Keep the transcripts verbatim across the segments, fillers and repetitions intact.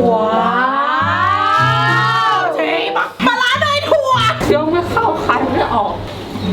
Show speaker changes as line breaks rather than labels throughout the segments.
ว้าวเทบักปลาร้าเนยถั่วเคี้ยวไม่เข้าคันไม่ออก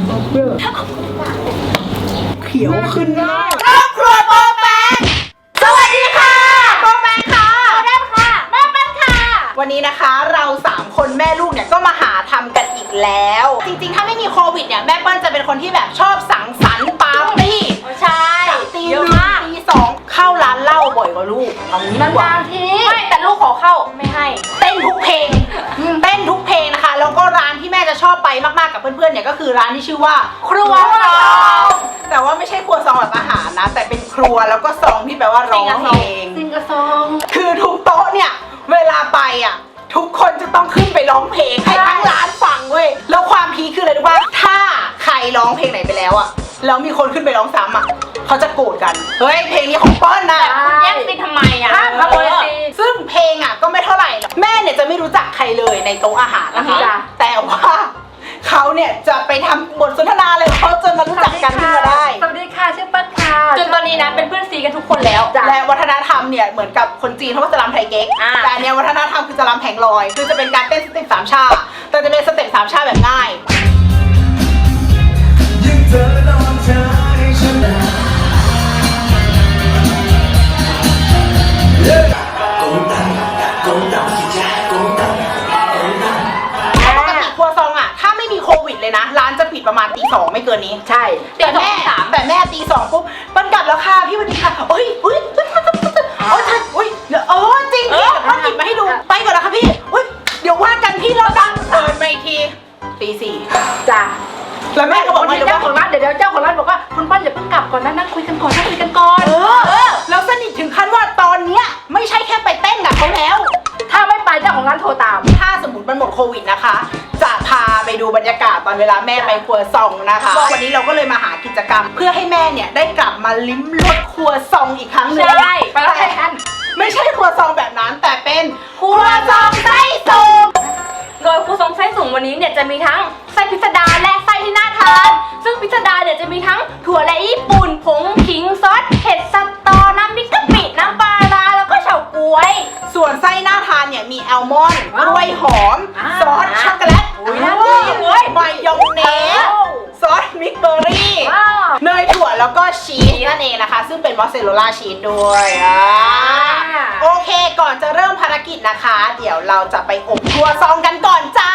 เขียวขึ้นหน้าครอบครัวโปแปงสวัสดีค่ะโปแปงค่ะโปแปงค่ะแม่เป็นค่ะวันนี้นะคะเราสามคนแม่ลูกเนี่ยก็มาหาทำกันอีกแล้วจริงๆถ้าไม่มีโควิดเนี่ยแม่เปิ้ลจะเป็นคนที่แบบชอบสังสรรค์ปาร์ตี้ใช่ตีหนึ่งตีสองเข้าร้านเหล้าบ่อยกว่าลูกเอางี้ดีกว่าทีไม่แต่ลูกขอเข้าไม่ให้เต้นทุกเพลงเต้นทุกเพลงนะคะแล้วก็ร้านที่แม่จะชอบไปมากๆกับเพื่อนๆเนี่ยก็คือร้านที่ชื่อว่าครัวซองแต่ว่าไม่ใช่ครัวซองแบบอาหารนะแต่เป็นครัวแล้วก็ซองที่แปลว่าร้องเพลงซิงกะซองคือทุกโต๊ะเนี่ยเวลาไปอ่ะทุกคนจะต้องขึ้นไปร้องเพลงให้ทั้งร้านฟังเว้ยแล้วความพีคคืออะไรรู้ป่ะถ้าใครร้องเพลงไหนไปแล้วอ่ะแล้วมีคนขึ้นไปร้องซ้ำอ่ะเขาจะโกรธกันเฮ้ยเพลงนี้ของเปิ้ลนะคุณแย่งซีนทำไมอ่ะห้ามขโมยซีนซึ่งเพลงอ่ะก็ไม่เท่าไหร่แม่เนี่ยจะไม่รู้จักใครเลยในโต๊ะอาหารนะคะแต่ว่าเขาเนี่ยจะไปทำบทสนทนาเลยเขาจนมารู้จักกันขึ้นมาได้
สวัสดีค่ะชื่อเปิ้ลค่ะจนตอนนี้นะเป็นเพื่อนซีกันทุกคนแล้ว
และวัฒนธรรมเนี่ยเหมือนกับคนจีนเขาก็จะรำไทยเก๊กแต่เนี่ยวัฒนธรรมคือจะรำแผงลอยคือจะเป็นการเต้นสเต็ปสามชาแต่จะเป็นสเต็ปสามชาแบบง่ายเลยนะร้านจะปิดประมาณตีสองไม่เกินนี้
ใช่
แต่แม่แต่แม่ตีสองปุ๊บปั้นกลับแล้วค่ะพี่วันดีค่ะโอ้ยโอ้ยโอ้ยโอ้ยโอ้ยเออจริงพี่ปั้นหยิบมาให้ดูไปก่อนนะคะพี่โอ้ยเดี๋ยวว่ากันพี่เราดังเปิดมาอีกทีตีสี่
จ้า
แล้วแม่ก็บอกว่า
เจ้าของร้านเดี๋ยวเจ้าของร้านบอกว่าคุณปั้นอย่าเพิ่งกลับก่อนนะนั่งคุยกันก่อนนั่งคุยกันก่อน
เออแล้วสนิทถึงขั้นว่าตอนเนี้ยไม่ใช่แค่ไปเต้นกับเขาแล้ว
ถ้าไม่ไปเจ้าของร้านโทรตาม
ถ้าสมมติมันหมดโควิดนะคะจะพาไปดูบรรยากาศตอนเวลาแม่ไปครัวซองนะคะวันนี้เราก็เลยมาหากิจกรรมเพื่อให้แม่เนี่ยได้กลับมาลิ้มรสครัวซองอีกครั้งหนึ่ง
ใช่ไปแล้วกัน
ไม่ใช่ครัวซองแบบนั้นแต่เป็นครัวซองไส้สูง
โดยครัวซองไส้สูงวันนี้เนี่ยจะมีทั้งไส้พิสดารและไส้ที่น่าทานซึ่งพิสดารเนี่ยจะมีทั้งถั่วและญี่ปุ่นผงขิงซอสเผ็ดสตอน้ำพริกกะปิน้ำปลาร้าแล้วก็เฉาก๊วย
ส่วนไส้น่าทานเนี่ยมีแอลมอนด์กล้วยหอมซอสช็อกโกแลตมายองเนสซอสมิกเบอร์รี่เนยถั่วแล้วก็ชีสนั่นเองนะคะซึ่งเป็นมอสซาเรลล่าชีสด้วยโอเคก่อนจะเริ่มภารกิจนะคะเดี๋ยวเราจะไปอบครัวซองกันก่อนจ้า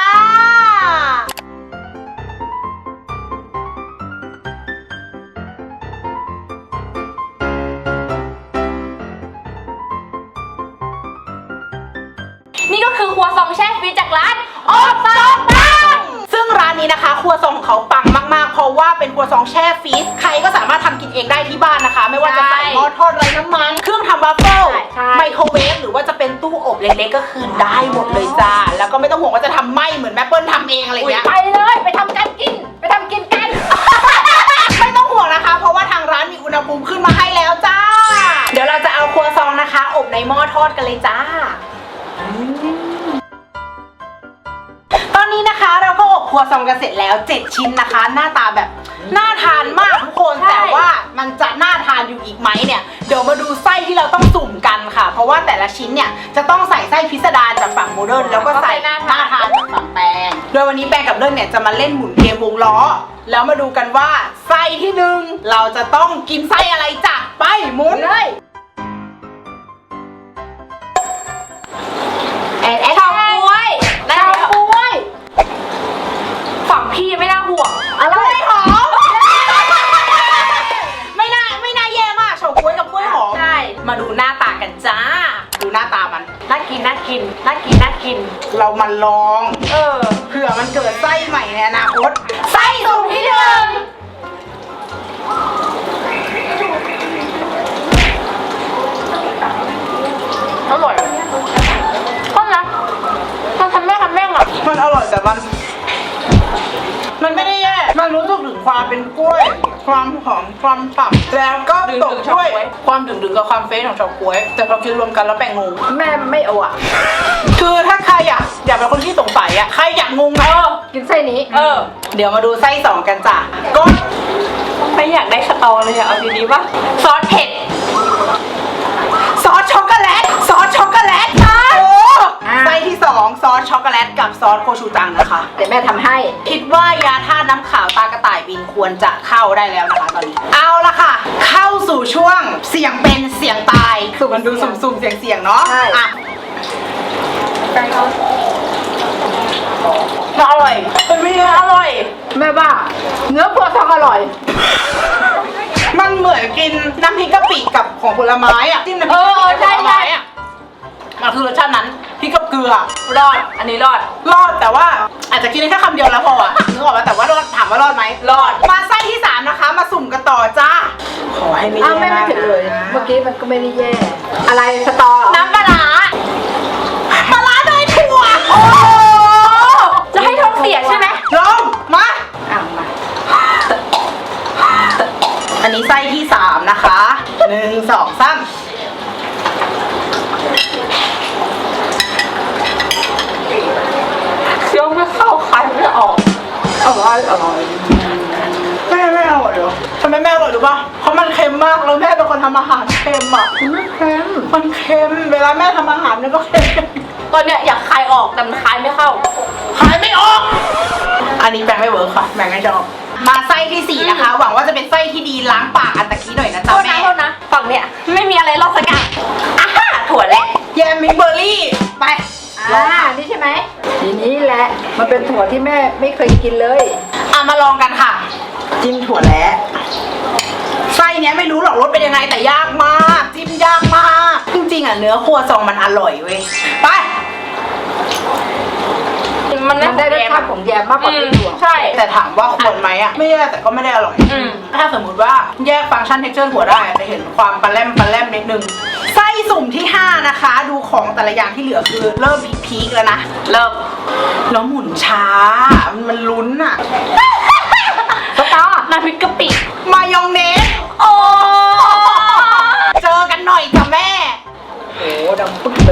นี่ก็คือครัวซองแช่ฟรีจากร้านอบซองปัง
ซึ่งร้านนี้นะคะครัวซองของเขาปังมากๆเพราะว่าเป็นครัวซองแช่ฟรีซใครก็สามารถทำกินเองได้ที่บ้านนะคะไม่ว่าจะใส่หม้อทอดไร้น้ำมันเครื่องทำวาฟเฟิลไมโครเวฟหรือว่าจะเป็นตู้อบเล็กๆก็คือได้หมดเลยจ้าแล้วก็ไม่ต้องห่วงว่าจะทำไหม้เหมือนแม่เปิ้ลทำเองอะไรเงี้ย
ไปเลยไปทำกันกินไปทำกินกัน
ไม่ต้องห่วงนะคะเพราะว่าทางร้านมีอุณหภูมิขึ้นมาให้แล้วจ้าเดี๋ยวเราจะเอาครัวซองนะคะอบในหม้อทอดกันเลยจ้าตอนนี้นะคะเราก็อบครัวซองกันเสร็จแล้วเจ็ดชิ้นนะคะหน้าตาแบบน่าทานมากทุกคนแต่ว่ามันจะน่าทานอยู่อีกไหมเนี่ยเดี๋ยวมาดูไส้ที่เราต้องสุ่มกันค่ะเพราะว่าแต่ละชิ้นเนี่ยจะต้องใส่ไส้พิสดารจากฝั่งโมเดิร์นแล้วก็ใส่น่าทานจากฝั่งแปงโดยวันนี้แปงกับเลิศเนี่ยจะมาเล่นหมุนเกมวงล้อแล้วมาดูกันว่าไส้ที่หนึ่งเราจะต้องกินไส้อะไรจ้ะไปหมุนเลย
แอนแอนเฉาก๊วยเฉาก๊วยฝั่งพี่ไม่น่าห่วง
อะไรหอมไม่น่าไม่น่าแย่มากเฉาก๊วยกับกล้วยหอม
ใช่
มาดูหน้าตากันจ้าดูหน้าตามัน
น่ากินน่ากินน่ากินน่ากิน
เรามาลอง
เออ
เผื่อมันเกิดไส้ใหม่ในอนาคตไส้สุ่มที่หนึ่ง
อร่อยก็นะมันทำแม่ทำแม่อ่ะ
มันอร่อยแต่มันมันไม่ได้แย่มันรู้สึกถึงความเป็นกล้วยความหอมความฉ่ำแล้วก็ตกด้วยความดึงๆกับความเฟรชของเฉาก๊วยแต่พอกินรวมกันแล้วแปลงงง
แม่ไม่เอาอ่ะ
คือถ้าใครอยากอยากเป็นคนที่สงสัยอ่ะใครอยากงงไหม
กินไส้นี้
เออเดี๋ยวมาดูไส้สองกันจ้ะก็
ไม่อยากได้สตอเลยอะเอาดีๆป่ะซอสเผ็ด
ซอสช็อกโกแลตซอสช็อกโกแลตค่ะ
แต่แม่ทำให้
คิดว่ายาท่าตุน้ำขาวตากระต่ายบินควรจะเข้าได้แล้วนะคะตอนนี้เอาละค่ะ เข้าสู่ช่วงเสี่ยงเป็นเสี่ยงตายคือมันดูสุ่มๆเสี่ยงๆเนาะ
ใช่
อ่ะ
มันอร่อยเป็นไม่อร่อย
แม่ว่าเนื้อครัวซองอร่อย
มันเหมือนกินน้ำพริกกะปิกับของผลไม้อ่ะจิ้มน้ำพริกกะปิกับผลไม้อ่ะมันคือรสชาตินั้นพริกกับเกลือ
รอด อันนี้รอด
รอดแต่ว่าอาจจะกินได้แค่คำเดียวแล้วพออ่ะนึกออกไหมแต่ว่ารอดถามว่ารอดไหมรอดมาไส้ที่สามนะคะ มาสุ่มกันต่อจ้าขอให้ไม่
อ้าว
แย่
ไม่ไม่
มาก
ผิดเลย
นะ
เมื่อกี้มันก็ไม่ได้แย่ อะไรสตอเหรอ
น้ำปลาร้า
ปลาร้าเนยถั่วโอ้
จะให้ท้องเสียใช่ไหม
ลงมา
อ่ะมา
อันนี้ไส้ที่สามนะคะหนึ่งสองสาม
เคี้ยวไม่เข้าคันไม่ออก
อร่อยอร่อย
แม่ไม่อร่อยเหรอทำไมแม่อร่อยรู้ป่ะเพราะมันเค็มมากแล้วแม่เป็นคนทำอาหารเค็มอ่ะ
ไม่เค็ม
มันเค็มเวลาแม่ทำอาหารเนี่ยก็เค็ม
ตอนเนี้ยอยากคายออกแต่มันคายไม่เข้า
ขายไม่ออก อันนี้แบ่งไม่เวิร์คค่ะแบ่งไม่ชอบมาไส้ที่สี่นะคะ หวังว่าจะเป็นไส้ที่ดีล้างปากอันตะกี้หน่อยนะ
โท
จ๊ะ
ษนะ
แม่
โทษนะ ฝั่งเนี้ยไม่มีอะไรรอดสักอย่างอ่ะฮะถั่วแหละ
แยมมิกเบอร์รี่ไป
อ่านี่ใช่ไหมทีนี้แหละ มันเป็นถั่วที่แม่ไม่เคยกินเลย
อ่ะมาลองกันค่ะ จิ้มถั่วแล้วไส้เนี้ยไม่รู้หรอกรสเป็นยังไงแต่ยากมากจิ้มยากมากจริงๆอ่ะเนื้อครัวซองมันอร่อยเว้ยไป
มัน
มันได้รสชาติของแยมมากกว่าที่ถั่ว
ใช่
แต่ถามว่าควรไหมอ่ะไม่แย่แต่ก็ไม่ได้อร่อย
อืม
ถ้าสมมุติว่าแยกฟังก์ชันเท็กเจอร์ถั่วได้จะเห็นความปลาแรมปลาแรมนิดนึงไส้สุ่มที่ห้านะคะ ดูของแต่ละอย่างที่เหลือคือเริ่มพีคๆแล้วนะ
เริ่ม
แล้วหมุนช้ามันลุ้นอ่ะ
สตอ
น้ำพริกกะปิ
มายองเนส
โอ้
เจอกันหน่อยจ้ะแม่
โอ้ดังปุ๊บเลย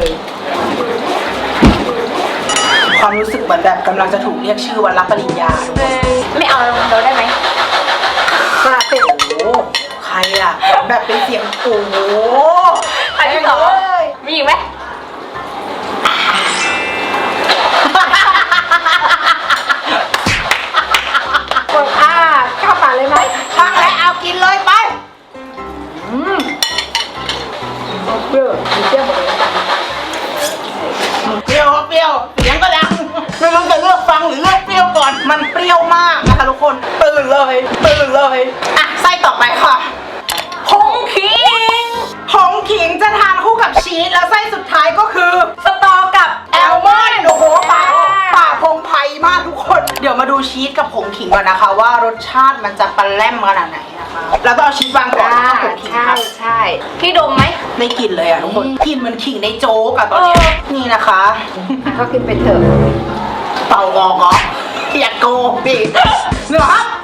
ความรู้สึกเหมือนแบบกำลังจะถูกเรียกชื่อวันรับปริญญาทุกคน
ไม่เอาเราได้ไหม
กระติก
โอ้ใครอ่ะ แบบเป็นเสียงโอ้โห
ใครที่สอง
เอ้ย
มีอีกไหม
กดอ่าเข้าปากเลยไหม
ช่างแล้วเอากินเลยไป
อืมเปรี้ยวมีเปรี้ยวหมดเลยนะ
เปรี้ยวครับเปรี้ยวเสียงก็ดังไม่รู้จะเลือกฟังหรือเลือกเปรี้ยวก่อน มันเปรี้ยวมากนะคะทุกคนตื่นเลยตื่นเลยอ่ะไส้ต่อไปค่ะ
ผงขิง
ผงขิงจะทานคู่กับชีสแล้วไส้สุดท้ายก็คือ
สตอกับ
แอลมอนด์โอ้โหปากปากพงไพมากทุกคน เดี๋ยวมาดูชีสกับผงขิงก่อนนะคะ ว่ารสชาติมันจะปลาแรมขนาดไหนนะคะแล้วก็เอาชีสวางก่อน
อ่า
แล้วก็ผงขิง
ใช่
ค่ะ
ใช่
พี่ดมไหม
ไม่กลินเลยอ่ะทุกคนกลินเหมันขิงในโจ๊กอะตอนเนี้ย
เออ
นี่นะคะ
ก็กินไปเถอะ
เป่างอกเหรออย่าโกงดิเหนือครับ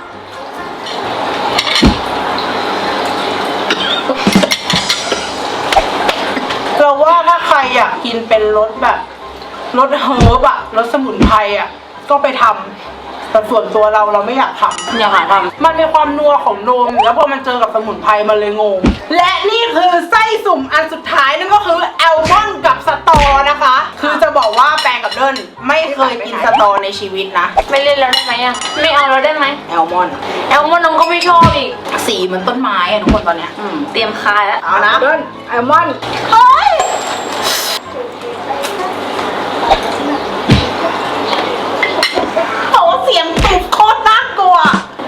เราว่าถ้าใครอยากกินเป็นรสแบบรสเฮิร์บอะรสสมุนไพรอะก็ไปทำแต่ส่วนตัวเราเราไม่อยากทำ
อยากหาท
มันมีความนัวของนมแล้วพอมันเจอกับสมุนไพรมันเลยงง และนี่คือไส้สุ่มอันสุดท้ายนั่นก็คือแอลมอนด์กับสตอนะคะ คือจะบอกว่าแปงกับเดินไม่เคยกินสตอในชีวิตนะ
ำไม่เล่นแล้วได้ไหมอ่ะ ไม่เอาแล้วได้ไหม
แอลมอนด์
แอลมอนด์น้องก็ไม่ชอบอีก
สีเหมันต้นไม้อะทุกคนตอนเนี้ย
อืม เตรียมคายแล้ว
เอานะ
เดินแอลมอนด์
เฮ้ยโอ้เสียงตุบโคตรน่ากลัว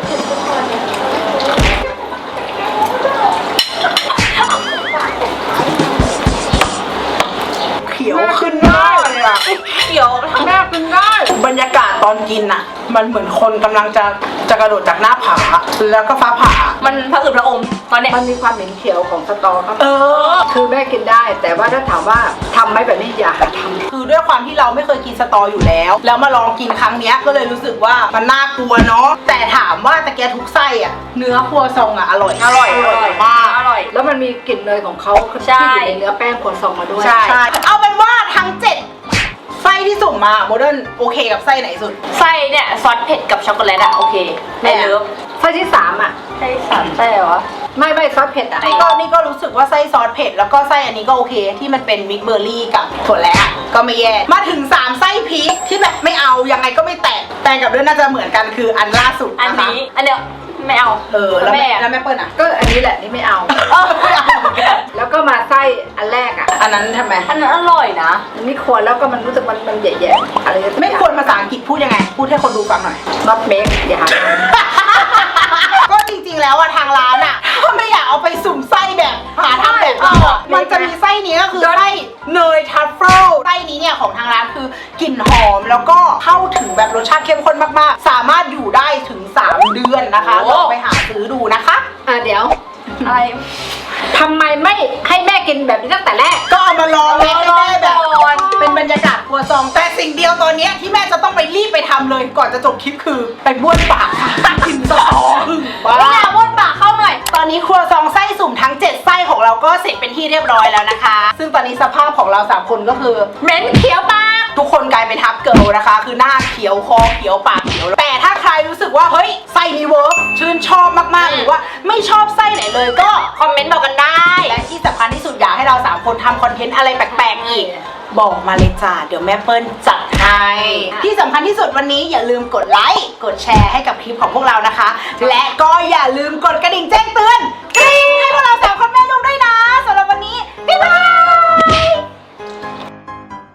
เขียวขึ้นหน้าเลยอะ
เดี๋ยว
แม่กินได้
บรรยากาศตอนกินอะมันเหมือนคนกำลังจะจะกระโดดจากหน้าผาแล้วก็ฟ้าผ่า
มันผะอืดผะอมตอนเนี้ย
มันมีความเหม็นเขียวของสตอครับ
เออ
คือแม่กินได้ แต่ว่าถ้าถามว่าทำไหมแบบนี้อย่าหาทำ
คือด้วยความที่เราไม่เคยกินสตออยู่แล้ว แล้วมาลองกินครั้งเนี้ยก็เลยรู้สึกว่ามันน่ากลัวเนาะแต่ถามว่าตะแกทุกไส้อะเนื้อครัวซองอะอร่อย
อร่อย
อร่อยมาก
อร่อย
แล้วมันมีกลิ่นเนยของเขา
ใช่
ที่อยู่ในเนื้อแป้งครัวซองมาด้วย
ใช่
ใช่เอาเป็นว่าทั้งเจ็ดไส้ที่สุ่มมาโมเดิร์นโอเคกับไส้ไหนสุด
ไส้เนี่ยซอสเผ็ดกับช็อกโกแลตอะโอเคไม่เลิฟ
ไส้ที่สามอ่ะ
ไส้สามไส้เหรอวะ
ไม่ไม่ซอสเผ็ดอ่ะ
นี่ก็นี่ก็รู้สึกว่าไส้ซอสเผ็ดแล้วก็ไส้อันนี้ก็โอเค ที่มันเป็นมิกเบอร์รี่กับถั่วแระก็ไม่แย่มาถึงสามไส้พีคที่แบบไม่เอายังไงก็ไม่แตะแตงกับเรื่องน่าจะเหมือนกันคืออันล่าสุด
อัน
นะคะ
นี้อันเดียวไม่เอา
เออแล้ว
แม่
แม่แล้วแม่เปิ้ลอ่ะ
ก็อันนี้แหละนี่ไม่เอา
เออไม่เอาเหมือนกัน
แล้วก็มาไส้อันแรกอ่ะ
อันนั้นทำไม
อันนั้นอร่อยนะ
มันไม่ควรแล้วก็มันรู้สึกมันมันแย่ๆอะไรสักอย่าง
ไม่ควรภาษาอังกฤษพูดยังไง พูดให้คนดูฟังหน่อย
not make อย่าหาท
ก็จริงๆแล้วอะทางร้านอะถ้าไม่อยากเอาไปสุ่มไส้แบบหาทำแบบเราอะมันจะมีไส้นี้ก็คือไส้เนยทัฟเฟิลไส้นี้เนี่ยของทางร้านคือกลิ่นหอมแล้วก็เข้าถึงแบบรสชาติเข้มข้นมากๆ สามารถอยู่ได้ถึงสามเดือนนะคะลองไปหาซื้อดูนะคะ
ำอ่ะเดี๋ยว
อะไร
ทำไมไม่ให้แม่กินแบบนี้ตั้งแต่แรก
ก็เอามาลองไงให้แม่แบบ
ก่อน
เป็นบรรยากาศครัวซองแต่สิ่งเดียวตอนเนี้ยที่แม่จะต้องไปรีบไปทำเลยก่อนจะจบคลิปคือไปบ้วนปากค่ะกินสตอหึ่งบ้า
พี่นาวนปากเข้าหน่อย
ตอนนี้ครัวซองไส้สุ่มทั้งเจ็ดไส้ของเราก็เสร็จเป็นที่เรียบร้อยแล้วนะคะ ซึ่งตอนนี้สภาพของเราสามคนก็คือ
เหม็นเขียวปาก
ทุกคนกลายเป็นทับเกิลนะคะ คือหน้าเขียวคอเขียวปากเขียว แต่ถ้าใครรู้สึกว่าเฮ้ยไส้นี้เวิร์กชื่นชอบมากๆหรือว่าไม่ชอบไส้ไหนเลยก็
คอมเมนต์บอกกันได้
และที่สำคัญที่สุดอยากให้เราสามคนทำคอนเทนต์อะไรแปลกๆอีก บอกมาเลยจ้าเดี๋ยวแม่เปิ้ลจัดให้ที่สำคัญที่สุดวันนี้อย่าลืมกดไลค์กดแชร์ให้กับคลิปของพวกเรานะคะ และก็อย่าลืมกดกระดิ่งแจ้งเตือน